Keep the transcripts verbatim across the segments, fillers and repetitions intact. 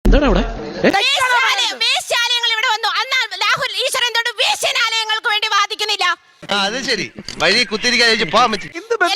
എന്താണ് അവിടെ അത് ശരി വഴി കുത്തിരിക്കാൻ പോകാൻ പറ്റും.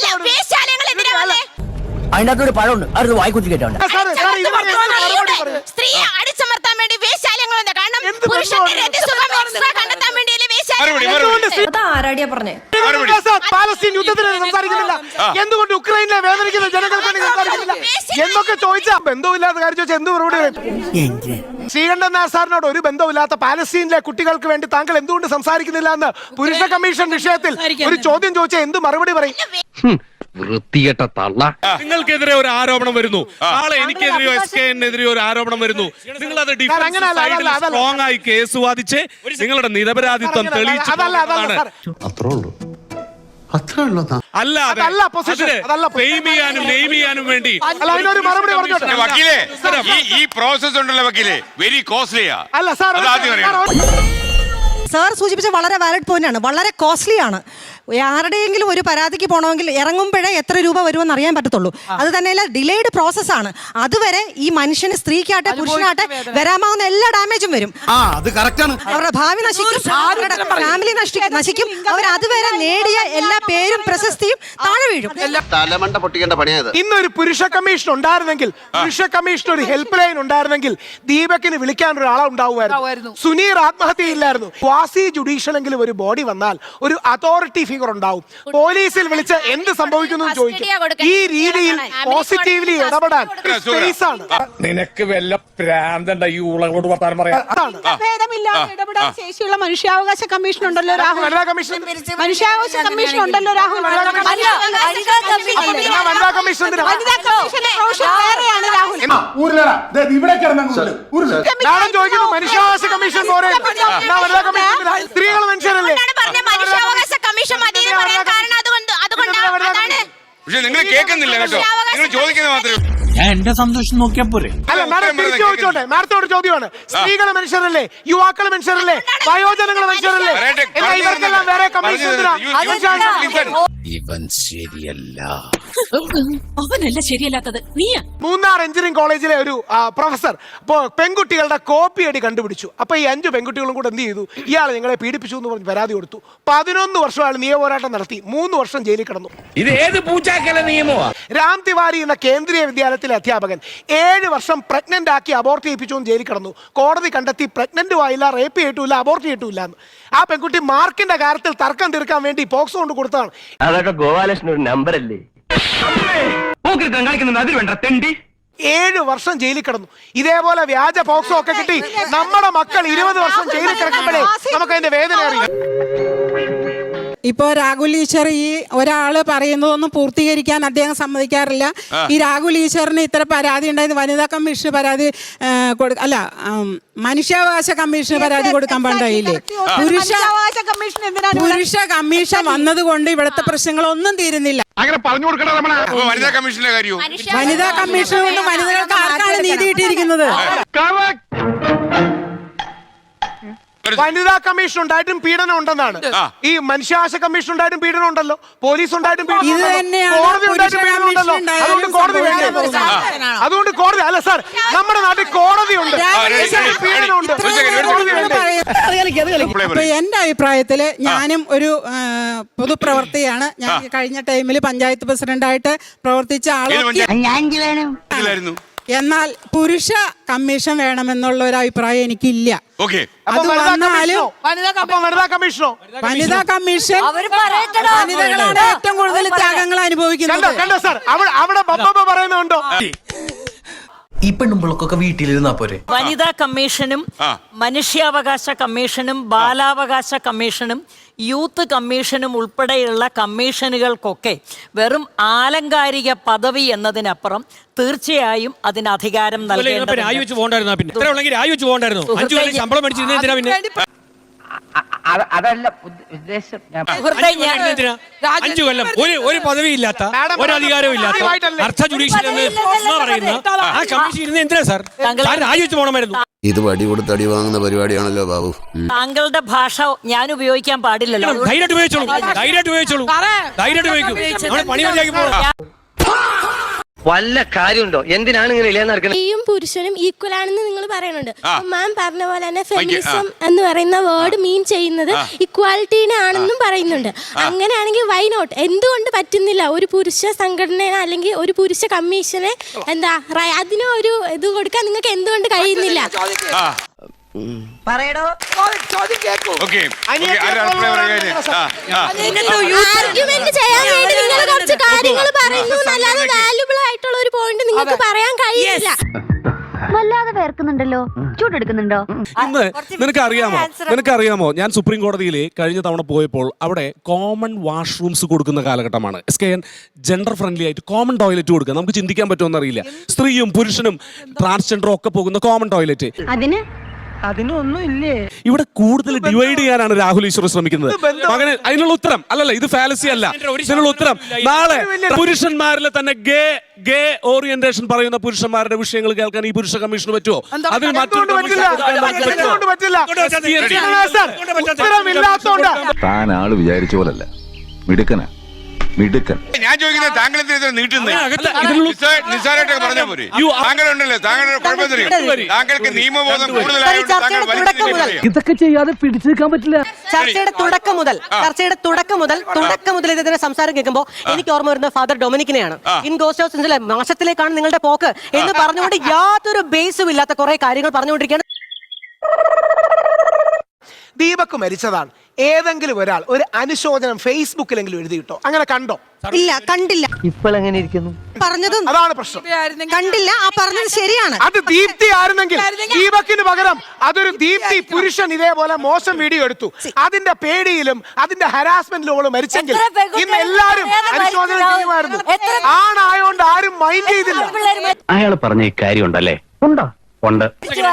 അതിനകത്തൊരു പഴമുണ്ട് അത് വായിക്കുത്തി കേട്ടോണ്ട് സ്ത്രീയെ അടിച്ചമർത്താൻ വേണ്ടി വേശ്യാലയങ്ങളുണ്ട്. കാരണം പുരുഷന്റെ രതിസുഖം എക്സ്ട്രാ കണ്ടെത്താൻ വേണ്ടിയല്ലേ ആരാടിയാ പറഞ്ഞേ? പാലസ്തീൻ യുദ്ധത്തിന് സംസാരിക്കുന്നില്ല, എന്തുകൊണ്ട് ഉക്രൈനിലെ വേദനിക്കുന്ന ജനങ്ങൾക്ക് വേണ്ടി സംസാരിക്കുന്നില്ല എന്നൊക്കെ ചോദിച്ചാ ബന്ധമില്ലാത്ത കാര്യം ചോദിച്ചാൽ എന്ത് മറുപടി? ശ്രീകണ്ഠൻ നായർ സാറിനോട് ഒരു ബന്ധമില്ലാത്ത പാലസ്തീനിലെ കുട്ടികൾക്ക് വേണ്ടി താങ്കൾ എന്തുകൊണ്ട് സംസാരിക്കുന്നില്ല എന്ന് പുരുഷ കമ്മീഷൻ വിഷയത്തിൽ ഒരു ചോദ്യം ചോദിച്ചാൽ എന്ത് മറുപടി പറയും? വൃത്തികെട്ട തള്ള. നിങ്ങൾക്കെതിരെ ഒരു ആരോപണം വരുന്നു, നാളെ എനിക്കെതിരെയോ എസ് കെ എതിരെയോ ഒരു ആരോപണം വരുന്നു. നിങ്ങൾ അത് സ്ട്രോങ് ആയി കേസ് വാദിച്ച് നിങ്ങളുടെ നിരപരാധിത്വം തെളിയിച്ചു. അല്ലാതെ ഫെയിം ചെയ്യാനും നെയിം ചെയ്യാനും വേണ്ടി വക്കീലേ, ഈ പ്രോസസ് ഉണ്ടല്ലോ വക്കീലേ, വെരി കോസ്റ്റ്ലിയാ. അല്ല സാർ, സാർ സൂചിപ്പിച്ച വളരെ വാലിഡ് പോയിന്റ് ആണ്, വളരെ കോസ്റ്റ്ലി ആണ്. ആരുടെയെങ്കിലും ഒരു പരാതിക്ക് പോകണമെങ്കിൽ ഇറങ്ങുമ്പോഴേ എത്ര രൂപ വരുമെന്ന് അറിയാൻ പറ്റത്തുള്ളൂ. അത് തന്നെയല്ല, ഡിലേഡ് പ്രോസസ് ആണ്. അതുവരെ ഈ മനുഷ്യന് സ്ത്രീക്കാട്ടെ പുരുഷനാട്ടെ വരാമാവുന്ന എല്ലാ ഡാമേജും വരും. അവരുടെ ഭാവി നശിക്കും, അവരുടെ ഫാമിലി നശിക്കും. അവർ അതുവരെ നേടിയ എല്ലാ പേരും പ്രശസ്തിയും താഴെ വീഴും. തലമണ്ട പൊട്ടിക്കേണ്ട പണിയായത്. ഇന്നൊരു പുരുഷ കമ്മീഷൻ ഉണ്ടായിരുന്നെങ്കിൽ, പുരുഷ കമ്മീഷൻ ഒരു ഹെൽപ്പ് ലൈൻ ഉണ്ടായിരുന്നെങ്കിൽ ദീപകിന് വിളിക്കാൻ ഒരാളെ ഉണ്ടാവുമായിരുന്നു. സുനീർ ആത്മഹത്യയില്ലായിരുന്നു. ക്വാസി ജുഡീഷ്യലെങ്കിലും ഒരു ബോഡി വന്നാൽ ഒരു അതോറിറ്റി ഫിഗർ ഉണ്ടാവും. പോലീസിൽ വിളിച്ച് എന്ത് സംഭവിക്കുന്നു ചോദിക്കും. ഈ രീതിയിൽ പോസിറ്റീവ്ലി ഇടപെടാൻ സ്പേസ് ആണ്. നിനക്ക് വല്ല പ്രാന്തണ്ട ഈ ഉളകളോട് വർത്താനം പറയാം. ഭേദമില്ലാതെ ഇടപെടാൻ ശേഷിയുള്ള മനുഷ്യാവകാശ കമ്മീഷൻ ഉണ്ടല്ലോ രാഹുൽ. മനുഷ്യാവകാശ കമ്മീഷൻ ഉണ്ടല്ലോ രാഹുൽ. മനുഷ്യാവകാശ കമ്മീഷൻ സ്ത്രീകൾ മനുഷ്യരല്ലേ? പക്ഷെ നിങ്ങൾ കേൾക്കുന്നില്ല കേട്ടോ, നിങ്ങൾ ചോദിക്കുന്നത് മാത്രമേ. ഞാൻ എന്റെ സന്തോഷം നോക്കിയാ പോരെ. അല്ല മാഡം ചോദിച്ചോട്ടെ, മാഡത്തോട് ചോദ്യമാണ്. സ്ത്രീകൾ മനുഷ്യരല്ലേ? യുവാക്കൾ മനുഷ്യരല്ലേ? വയോജനങ്ങൾ മനുഷ്യരല്ലേ? ഇവർക്കെല്ലാം വേറെ കമ്മീഷൻ. ഇവൻ ശരിയല്ല, അവനല്ല ശരിയല്ലാത്തത് നീയാ. മൂന്നാർ എഞ്ചിനീയറിംഗ് കോളേജിലെ ഒരു പ്രൊഫസർ അപ്പോ പെൺകുട്ടികളുടെ കോപ്പി അടി കണ്ടുപിടിച്ചു. അപ്പൊ ഈ അഞ്ചു പെൺകുട്ടികളും കൂടെ എന്ത് ചെയ്തു? ഇയാൾ നിങ്ങളെ പീഡിപ്പിച്ചു എന്ന് പറഞ്ഞ് പരാതി കൊടുത്തു. പതിനൊന്ന് വർഷം അയാൾ നിയമപോരാട്ടം നടത്തി, മൂന്ന് വർഷം ജയിലിൽ കിടന്നു. ഇത് ഏത് പൂച്ചാക്കല നിയമോ? രാം തിവാരി എന്ന കേന്ദ്രീയ വിദ്യാലയത്തിലെ അധ്യാപകൻ ഏഴ് വർഷം പ്രഗ്നന്റ് ആക്കി അബോർട്ട് ചെയ്യിപ്പിച്ചു എന്ന് ജയിലിൽ കിടന്നു. കോടതി കണ്ടെത്തി പ്രഗ്നന്റും ആയില്ല, റേപ്പ് ചെയ്തിട്ടില്ല, അബോർട്ട് ചെയ്തിട്ടില്ല എന്ന്. ആ പെൺകുട്ടി മാർക്കിന്റെ കാര്യത്തിൽ തർക്കം തീർക്കാൻ വേണ്ടി പോക്സോ കൊണ്ട് കൊടുത്തതാണ്. അതൊക്കെ ഗോപാലകൃഷ്ണൻ ഒരു നമ്പർ അല്ലേ? ഏഴ് വർഷം ജയിലിൽ കിടന്നു. ഇതേപോലെ വ്യാജ പോക്സോ ഒക്കെ കിട്ടി നമ്മുടെ മക്കൾ ഇരുപത് വർഷം ജയിലിൽ കിടക്കുമ്പോഴേ നമുക്ക് അതിന്റെ വേദന അറിയാം. ഇപ്പോ രാഹുൽ ഈശ്വർ ഈ ഒരാള് പറയുന്നതൊന്നും പൂർത്തീകരിക്കാൻ അദ്ദേഹം സമ്മതിക്കാറില്ല. ഈ രാഹുൽ ഈശ്വറിന് ഇത്ര പരാതി ഉണ്ടായത് വനിതാ കമ്മീഷന് പരാതി അല്ല മനുഷ്യാവകാശ കമ്മീഷന് പരാതി കൊടുക്കാൻ പാടില്ലേ? പുരുഷ പുരുഷ കമ്മീഷൻ വന്നത് കൊണ്ട് ഇവിടുത്തെ പ്രശ്നങ്ങളൊന്നും തീരുന്നില്ല. അങ്ങനെ പറഞ്ഞു കൊടുക്കണം. വനിതാ കമ്മീഷന്റെ കാര്യവും വനിതാ കമ്മീഷൻ കൊണ്ട് വനിതകൾക്ക് ആർക്കാണ് നീതി കിട്ടിയിരിക്കുന്നത്? വനിതാ കമ്മീഷൻ ഉണ്ടായിട്ടും പീഡനം ഉണ്ടെന്നാണ്. ഈ മനുഷ്യാവകാശ കമ്മീഷൻ ഉണ്ടായിട്ടും പീഡനം ഉണ്ടല്ലോ, പോലീസ് ഉണ്ടായിട്ടും കോടതി ഉണ്ടായിട്ടും പീഡനം ഉണ്ടല്ലോ. അതുകൊണ്ട് കോടതി വേണ്ടേ? അതുകൊണ്ട് കോടതി അല്ല സാർ, നമ്മുടെ നാട്ടിൽ കോടതി ഉണ്ട്, പീഡനം ഉണ്ട്. അപ്പൊ എന്റെ അഭിപ്രായത്തില് ഞാനും ഒരു പൊതുപ്രവർത്തകയാണ്. ഞാൻ കഴിഞ്ഞ ടൈമിൽ പഞ്ചായത്ത് പ്രസിഡന്റായിട്ട് പ്രവർത്തിച്ച ആളാണ്. എന്നാൽ പുരുഷ കമ്മീഷൻ വേണമെന്നുള്ള ഒരു അഭിപ്രായം എനിക്കില്ല. അത് വന്നാലും വനിതാ കമ്മീഷനോ? വനിതാ കമ്മീഷൻ വനിതകളാണ് ഏറ്റവും കൂടുതൽ ത്യാഗങ്ങൾ അനുഭവിക്കുന്നത്. അവിടെ പറയുന്നുണ്ടോ? ഈ പെണ്ണുമ്പോഴൊക്കെ വീട്ടിലിരുന്നാ പോരെ? വനിതാ കമ്മീഷനും മനുഷ്യാവകാശ കമ്മീഷനും ബാലാവകാശ കമ്മീഷനും യൂത്ത് കമ്മീഷനും ഉൾപ്പെടെയുള്ള കമ്മീഷനുകൾക്കൊക്കെ വെറും ആലങ്കാരിക പദവി എന്നതിനപ്പുറം തീർച്ചയായും അതിന് അധികാരം നൽകേണ്ടത്. അതല്ല ഉദ്ദേശം. അഞ്ചു കൊല്ലം ഒരു ഒരു പദവിയില്ലാത്ത ഒരു അധികാരവും ഇല്ലാത്ത അർത്ഥ ജുഡീഷ്യൽ എന്ന് പറയുന്ന ആ കമ്മീഷൻ ഇരുന്ന് എന്തിനാ സാർ രാജിവെച്ച് പോകണമായിരുന്നു? ഇത് വടി കൊടുത്ത് അടി വാങ്ങുന്ന പരിപാടിയാണല്ലോ ബാബു. താങ്കളുടെ ഭാഷ ഞാൻ ഉപയോഗിക്കാൻ പാടില്ലല്ലോ. ധൈര്യമായിട്ട് ഉപയോഗിച്ചോളൂ, ധൈര്യമായിട്ട് ഉപയോഗിച്ചോളൂ, ധൈര്യമായിട്ട് ഉപയോഗിക്കും. പണി മതിയാക്കി പോകണം. വല്ല കാര്യമുണ്ടോ? എന്തിനാണ് ഇങ്ങനെ ഇല്ലാന്ന് നടക്കുന്നത്? സ്ത്രീയും പുരുഷനും ഈക്വൽ ആണെന്ന് നിങ്ങൾ പറയുന്നുണ്ട്. മാം പറഞ്ഞ പോലെ തന്നെ ഫെമിനിസം എന്ന് പറയുന്ന വേർഡ് മീൻ ചെയ്യുന്നത് ഇക്വാലിറ്റീനെ ആണെന്നും പറയുന്നുണ്ട്. അങ്ങനെയാണെങ്കിൽ വൈ നോട്ട്? എന്തുകൊണ്ട് പറ്റുന്നില്ല ഒരു പുരുഷ സംഘടന അല്ലെങ്കിൽ ഒരു പുരുഷ കമ്മീഷനെ എന്താ അതിന് ഒരു ഇത് കൊടുക്കാൻ നിങ്ങൾക്ക് എന്തുകൊണ്ട് കഴിയുന്നില്ല? പറയടോ. ഓക്കെ ആർഗ്യുമെന്റ് ചെയ്യാൻ വേണ്ടി നിങ്ങൾ കുറച്ച് കാര്യങ്ങൾ പറയുന്നു എന്നല്ലാതെ വാല്യുബിൾ ആയിട്ടുള്ള ഒരു പോയിന്റ് നിങ്ങൾക്ക് പറയാൻ കഴിയില്ല. വല്ലാതെ വേർക്കുന്നുണ്ടല്ലോ, ചൂടെടുക്കുന്നുണ്ടോ? ഇന്ന് നിനക്ക് അറിയാമോ നിനക്ക് അറിയാമോ ഞാൻ സുപ്രീം കോടതിയിൽ കഴിഞ്ഞ തവണ പോയപ്പോൾ അവിടെ കോമൺ വാഷ്റൂംസ് കൊടുക്കുന്ന കാലഘട്ടമാണ്. S K N gender friendly ആയിട്ട് കോമൺ ടോയ്ലറ്റ് കൊടുക്കുക. നമുക്ക് ചിന്തിക്കാൻ പറ്റുമെന്ന് അറിയില്ല. സ്ത്രീയും പുരുഷനും ട്രാൻസ്ജെൻഡറും ഒക്കെ പോകുന്ന കോമൺ ടോയ്ലറ്റ്. അതിന് അതിനൊന്നും ഇല്ലേ? ഇവിടെ കൂടുതൽ ഡിവൈഡ് ചെയ്യാനാണ് രാഹുൽ ഈശ്വർ ശ്രമിക്കുന്നത്. മകന് അതിനുള്ള ഉത്തരം അല്ലല്ല, ഇത് ഫാലസി അല്ല. ഇതിനുള്ള ഉത്തരം നാളെ പുരുഷന്മാരിലെ തന്നെ ഗേ ഗേ ഓറിയന്റേഷൻ പറയുന്ന പുരുഷന്മാരുടെ വിഷയങ്ങൾ കേൾക്കാൻ ഈ പുരുഷ കമ്മീഷന് പറ്റുമോ? അതിൽ താൻ ആള് വിചാരിച്ച പോലല്ല, മിടുക്കനാ മിടുക്കൻ. ഞാൻ ചോദിക്കുന്നത് താങ്കൾ എന്തിനാ നീട്ടുന്നത്? നിസ്സാരമായിട്ടൊക്കെ പറഞ്ഞാൽ പോരെ. താങ്കൾ ഉണ്ടല്ലോ, താങ്കളുടെ കുഴപ്പമില്ല. താങ്കൾക്ക് നിയമബോധം കൂടുതലായതുകൊണ്ട് താങ്കൾ വലിച്ചിട്ട് ഇതൊക്കെ ചെയ്യാതെ പിടിച്ചു നിൽക്കാൻ പറ്റില്ല. ചർച്ചയുടെ തുടക്കം മുതൽ ചർച്ചയുടെ തുടക്കം മുതൽ തുടക്കം മുതൽ ഇതിന്റെ സംസാരം കേൾക്കുമ്പോൾ എനിക്ക് ഓർമ്മ വരുന്നത് ഫാദർ ഡൊമിനിക്കിനെയാണ്. ഇൻ ഗോസ്റ്റ് ഹൗസിലെ നാശത്തിലേക്കാണ് നിങ്ങളുടെ പോക്ക് എന്ന് പറഞ്ഞുകൊണ്ട് യാതൊരു ബേസും ഇല്ലാത്ത കുറെ കാര്യങ്ങൾ പറഞ്ഞുകൊണ്ടിരിക്കുകയാണ്. ദീപക് മരിച്ചതാണ്. ഏതെങ്കിലും ഒരാൾ ഒരു അനുശോചനം ഫേസ്ബുക്കിലെങ്കിലും എഴുതിയിട്ടോ? അങ്ങനെ കണ്ടോ? ഇല്ല, കണ്ടില്ല. ഇപ്പോൾ എങ്ങനെ ഇരിക്കുന്നു? പറഞ്ഞത് അതാണ് പ്രശ്നം. കണ്ടില്ല. ആ പറഞ്ഞത് ശരിയാണ്. അത് ദീപ്തി ആയിരുന്നെങ്കിൽ ദീപക്കിന് പകരം അതൊരു ദീപ്തി പുരുഷൻ ഇതേപോലെ മോശം വീഡിയോ എടുത്തു. അതിന്റെ പേടിയിലും അതിന്റെ ഹരാസ്മെന്റിലും മരിച്ചെങ്കിൽ ഇന്ന് എല്ലാരും അനുശോചനം ചെയ്യുമായിരുന്നു. ആണായോണ്ട് ആരും മൈൻഡ് ചെയ്തില്ല. അയാൾ പറഞ്ഞ കാര്യം ഉണ്ടല്ലേ? ഉണ്ടോ? ഉണ്ട്.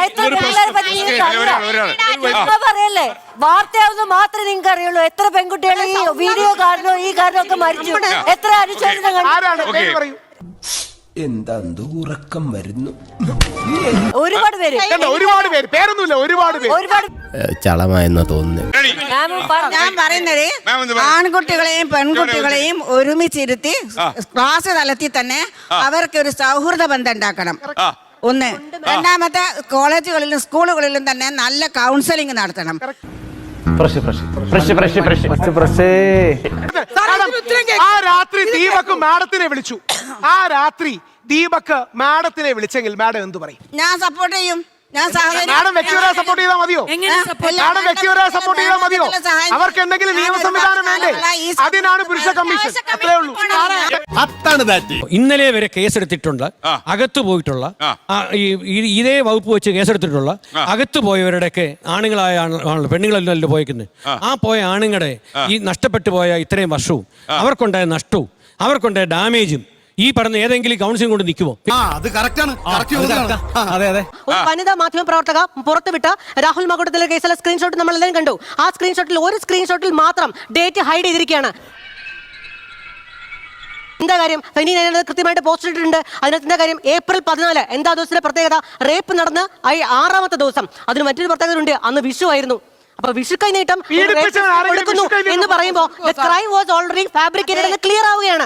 പറയല്ലേ, വാർത്തയാവുന്ന മാത്രമേ നിങ്ങൾക്ക് അറിയുള്ളൂ. എത്ര പെൺകുട്ടികൾ ഈ വീഡിയോ കാരണോ ഈ കാരണോ ഒക്കെ മരിച്ചു. എത്ര അനുശോചനം. ആരാണ്? പറയൂ. എന്താ ഉറക്കം വരുന്നു? ഒരുപാട് പേര് ഒരുപാട് പേര് പേരൊന്നുമില്ല, ഒരുപാട് പേര്. ഒരുപാട് ചളമായെന്നാ തോന്നുന്നു. ഞാൻ പറയുന്നത് ആൺകുട്ടികളെയും പെൺകുട്ടികളെയും ഒരുമിച്ചിരുത്തി ക്ലാസ് തലത്തിൽ തന്നെ അവർക്ക് ഒരു സൗഹൃദ ബന്ധം ഉണ്ടാക്കണം. ഒന്ന്. രണ്ടാമത്തെ, കോളേജുകളിലും സ്കൂളുകളിലും തന്നെ നല്ല കൗൺസിലിംഗ് നടത്തണം. ആ രാത്രി ദീപക് മാഡത്തിനെ വിളിച്ചു. ആ രാത്രി ദീപക് മാഡത്തിനെ വിളിച്ചെങ്കിൽ മാഡം എന്തു പറയും? ഞാൻ സപ്പോർട്ട് ചെയ്യും. ഞാൻ മാഡം വ്യക്തിപരമായി സപ്പോർട്ട് ചെയ്താൽ മതിയോ? മാഡം വ്യക്തിപരമായി സപ്പോർട്ട് ചെയ്താൽ മതിയോ? അവർക്ക് എന്തെങ്കിലും നിയമ സംവിധാനം വേണ്ടേ? അതിനാണ് പുരുഷ കമ്മീഷൻ. അത്രേ ഉള്ളൂ. ഇന്നലെ വരെ കേസെടുത്തിട്ടുള്ള, അകത്തു പോയിട്ടുള്ള, ഇതേ വകുപ്പ് വെച്ച് കേസെടുത്തിട്ടുള്ള അകത്തു പോയവരുടെയൊക്കെ ആണുങ്ങളായ ആണല്ലോ, പെണ്ണുങ്ങളല്ലോ പോയേക്കുന്നത്. ആ പോയ ആണുങ്ങളുടെ ഈ നഷ്ടപ്പെട്ടു പോയ ഇത്രയും വർഷവും അവർക്കുണ്ടായ നഷ്ടവും അവർക്കുണ്ടായ ഡാമേജും ഈ പറഞ്ഞ ഏതെങ്കിലും കൗൺസിലിംഗ് കൊണ്ട് നിൽക്കുമോ? ഒരു വനിതാ മാധ്യമ പ്രവർത്തക പുറത്തുവിട്ട രാഹുൽ മകുടത്തിലെ കേസിലെ സ്ക്രീൻഷോട്ട് നമ്മൾ എല്ലാവരും കണ്ടു. ആ സ്ക്രീൻഷോട്ടിൽ ഒരു സ്ക്രീൻഷോട്ടിൽ മാത്രം ഡേറ്റ് ഹൈഡ് ചെയ്തിരിക്കുകയാണ്. എന്താ കാര്യം? ഫെനി കൃത്യമായിട്ട് പോസ്റ്റ് ഇട്ടിട്ടുണ്ട്. അതിനകത്ത് എന്താ കാര്യം? ഏപ്രിൽ പതിനാല് എന്താ ദിവസത്തിന്റെ പ്രത്യേകത? റേപ്പ് നടന്ന് ആറാമത്തെ ദിവസം. അതിന് മറ്റൊരു പ്രത്യേകത ഉണ്ട്, അന്ന് വിഷു ആയിരുന്നു. അപ്പൊ വിഷു കൈനീട്ടം കൊടുക്കുന്നു എന്ന് പറയുമ്പോ ക്രൈം വാസ് ഓൾറെഡി ഫാബ്രിക്കേറ്റഡ് എന്ന് ക്ലിയർ ആവുകയാണ്.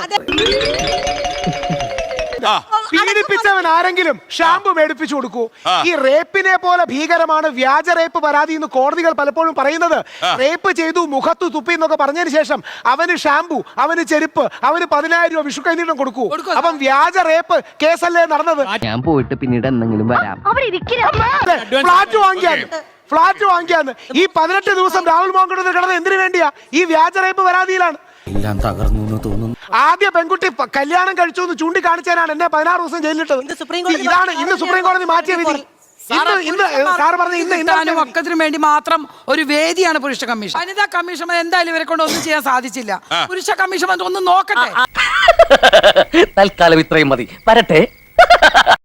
പീഡിപ്പിച്ചവൻ ആരെങ്കിലും ഷാമ്പു മേടിപ്പിച്ചു കൊടുക്കൂ. ഈ റേപ്പിനെ പോലെ ഭീകരമാണ് വ്യാജ റേപ്പ് പരാതി എന്ന് കോടതികൾ പലപ്പോഴും പറയുന്നത്. റേപ്പ് ചെയ്തു, മുഖത്തു തുപ്പി എന്നൊക്കെ പറഞ്ഞതിന് ശേഷം അവന് ഷാമ്പു, അവന് ചെരുപ്പ്, അവന് പതിനായിരം രൂപ വിഷു കൈനീട്ടം കൊടുക്കൂ. അപ്പം വ്യാജ റേപ്പ് കേസല്ലേ നടന്നത്? ഞാൻ പോയിട്ട് പിന്നീട് എന്തെങ്കിലും വരാം. ഫ്ലാറ്റ് വാങ്ങിയാൽ ഫ്ലാറ്റ് വാങ്ങിയാന്ന് ഈ പതിനെട്ട് ദിവസം രാഹുൽ മാങ്കുടത്തിൽ കിടന്നത് എന്തിനു വേണ്ടിയാ? ഈ വ്യാജ റേപ്പ് പരാതിയിലാണ്. എല്ലാം തകർന്നു തോന്നുന്നു. ആദ്യ പെൺകുട്ടി കല്യാണം കഴിച്ചു എന്ന് ചൂണ്ടിക്കാണിച്ചാണ് എന്നെ പതിനാറ് ദിവസം ജയിലിലിട്ടത്. ഇതാണ് ഇന്ന് സുപ്രീം കോടതി മാറ്റിയ വിധി. ഒക്കത്തിനു വേണ്ടി മാത്രം ഒരു വേദിയാണ് പുരുഷ കമ്മീഷൻ. വനിതാ കമ്മീഷൻ എന്തായാലും ഇവരെ കൊണ്ട് ഒന്നും ചെയ്യാൻ സാധിച്ചില്ല. പുരുഷ കമ്മീഷൻ ഒന്നും നോക്കട്ടെ. തൽക്കാലം ഇത്രയും മതി. വരട്ടെ.